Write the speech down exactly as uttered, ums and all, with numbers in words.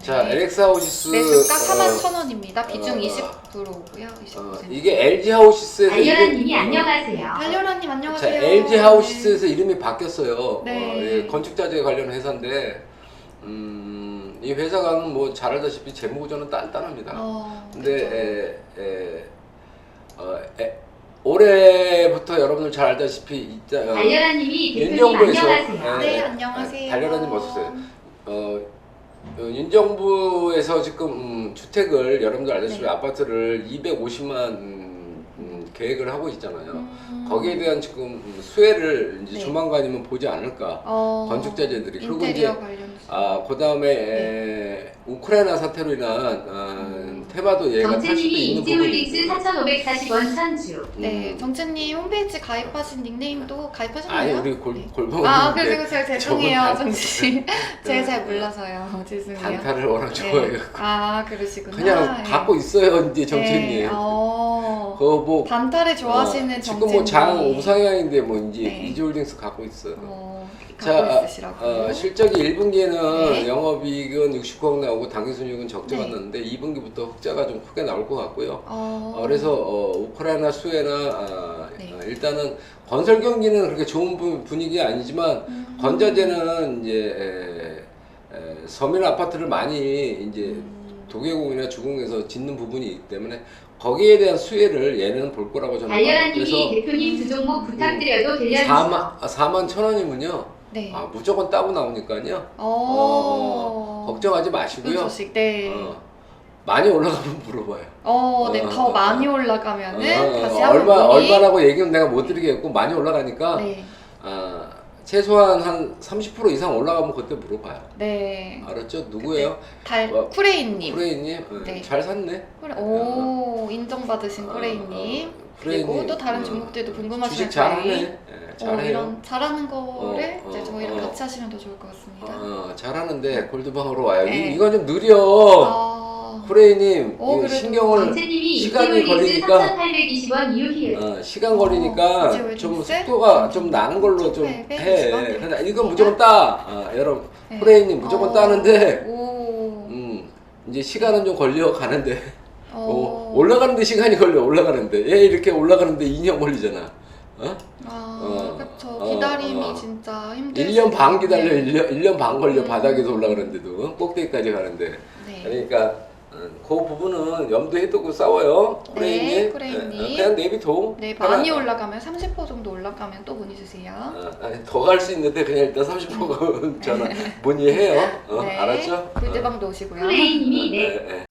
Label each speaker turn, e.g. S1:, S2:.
S1: 자, 엘엑스 하우시스
S2: 매수가 사만
S1: 어,
S2: 천 원입니다. 비중
S1: 어,
S2: 이십 퍼센트고요. 이십
S1: 어,
S2: 퍼센트.
S1: 이게 엘지 하우시스에서
S3: 달려라님이
S1: 이름-
S3: 안녕하세요.
S2: 달려라님
S1: 자,
S2: 안녕하세요.
S1: 엘지 하우시스에서 이름이 바뀌었어요.
S2: 네.
S1: 어, 예, 건축자재 관련 회사인데 음, 이 회사가는 뭐 잘 알다시피 재무구조는 단단합니다.
S2: 어,
S1: 근데 에, 에, 어, 에, 올해부터 여러분들 잘 알다시피 이- 어,
S3: 달려라님이 대표님
S1: 윤정부에서
S3: 안녕하세요.
S2: 네,
S1: 에,
S2: 안녕하세요.
S1: 달려라님 어서오세요. 어, 어, 윤정부에서 지금 음, 주택을 여러분들 알다시피
S2: 네.
S1: 아파트를 이백오십만 음, 음, 계획을 하고 있잖아요.
S2: 음.
S1: 거기에 대한 지금 음, 수혜를 이제
S2: 네.
S1: 조만간이면 보지 않을까.
S2: 어,
S1: 건축자재들이. 그리고
S2: 인테리어
S1: 이제
S2: 관련
S1: 아, 그 다음에 우크라이나 사태로 인한 어, 테마도 얘가 탈 수도
S3: 정채님이
S1: 있는
S3: 인지홀릭스
S1: 부분이
S3: 사천오백사십 원 선주.
S2: 네,
S1: 음.
S2: 정채님 홈페이지 가입하신 닉네임도 가입하셨나요?
S1: 아니 우리 골,
S2: 네.
S1: 골방은
S2: 아, 그리고 제가 죄송해요,
S1: 저분
S2: 정씨. 제가
S1: 네.
S2: 잘 몰라서요. 죄송해요.
S1: 단타를 워낙
S2: 네.
S1: 좋아해요.
S2: 아, 그러시구나.
S1: 그냥
S2: 네.
S1: 갖고 있어요, 이제 정치님.
S2: 네. 어,
S1: 그거 뭐
S2: 단타를 좋아하시는
S1: 어,
S2: 정채님.
S1: 지금 뭐 장 우상향인데 뭐 이제
S2: 네.
S1: 이지홀딩스 갖고 있어요.
S2: 어,
S1: 자,
S2: 갖고 있으시라고.
S1: 어, 실적이 일 분기에는
S2: 네.
S1: 영업이익은 육십구억 나오고 당기순이익은 적자가
S2: 네.
S1: 났는데 이 분기부터 흑자가 좀 크게 나올 것 같고요.
S2: 어,
S1: 어, 그래서 어, 우크라이나 수혜나 아,
S2: 네.
S1: 어, 일단은 건설 경기는 그렇게 좋은 분- 분위기 아니지만
S2: 음.
S1: 건자재는 이제 에, 에, 서민 아파트를 많이 이제
S2: 음.
S1: 도계공이나 주공에서 짓는 부분이 있기 때문에 거기에 대한 수혜를 얘는 볼 거라고 저는 봐요.
S3: 달려라님이 대표님 두 종목 부탁드려도 되려주세요.
S1: 사만 아, 사만 천 원이면요.
S2: 네.
S1: 아, 무조건 따고 나오니까요.
S2: 어,
S1: 어, 걱정하지
S2: 그
S1: 마시고요.
S2: 소식, 네.
S1: 어, 많이 올라가면 물어봐요.
S2: 어, 네,
S1: 어,
S2: 더
S1: 어,
S2: 많이
S1: 어.
S2: 올라가면은
S1: 어,
S2: 다시
S1: 어,
S2: 한번
S1: 얼마
S2: 문의-
S1: 얼마라고 얘기는 내가 못 드리겠고 많이 올라가니까
S2: 네,
S1: 아, 최소한 한 삼십 퍼센트 이상 올라가면 그때 물어봐요.
S2: 네.
S1: 알았죠? 누구예요?
S2: 달
S1: 어,
S2: 쿠레이님.
S1: 쿠레이님? 어,
S2: 네.
S1: 잘 샀네.
S2: 쿠레, 오, 인정받으신
S1: 어,
S2: 쿠레이님.
S1: 어,
S2: 그리고
S1: 쿠레이님,
S2: 또 다른
S1: 어,
S2: 종목들도 궁금하시면
S1: 주식 잘하네.
S2: 저희
S1: 예,
S2: 어,
S1: 잘해요.
S2: 이런 잘하는 거를
S1: 어,
S2: 이제
S1: 어,
S2: 저희랑
S1: 어.
S2: 같이 하시면 더 좋을 것 같습니다.
S1: 어, 잘하는데 골드방으로 와요.
S2: 네.
S1: 이, 이건 좀 느려.
S2: 아,
S1: 쿠레이님
S2: 어,
S1: 이거
S2: 그래도
S1: 신경을
S3: 정채님이
S1: 시간이
S3: 인지홀릭스
S1: 걸리니까
S3: 사천팔백이십 원 이후
S1: 어, 시간 걸리니까
S2: 어, 이제
S1: 좀
S2: 웨딩스?
S1: 속도가 좀 나는 걸로 좀 해.
S2: 천팔백이십 원
S1: 근데 이건 무조건 따. 어, 여러분
S2: 네.
S1: 쿠레이님 무조건
S2: 어,
S1: 따는데
S2: 오,
S1: 음, 이제 시간은 좀 걸려 가는데
S2: 어,
S1: 어, 올라가는데 시간이 걸려 올라가는데 얘 이렇게 올라가는데 이 년 걸리잖아. 어?
S2: 아,
S1: 어,
S2: 그쵸.
S1: 어,
S2: 기다림이
S1: 어.
S2: 진짜 힘들
S1: 일 년 반
S2: 수도
S1: 기다려.
S2: 있는데.
S1: 일 년, 일 년 반 걸려
S2: 음.
S1: 바닥에서 올라가는데도 어? 꼭대기까지 가는데.
S2: 네.
S1: 그러니까 어, 그 부분은 염두에 두고 싸워요.
S2: 네,
S1: 쿠레이님.
S2: 쿠레이님.
S1: 어, 그냥 내비둬.
S2: 네,
S1: 하나-
S2: 많이 올라가면 삼십 퍼센트 정도 올라가면 또 문의 주세요.
S1: 어, 아니, 더 갈 수 있는데 그냥 일단 삼십 퍼센트 전화 문의해요. 어,
S2: 네,
S1: 알았죠?
S2: 골드방도 오시고요.
S3: 쿠레이님이 네.
S1: 네, 네.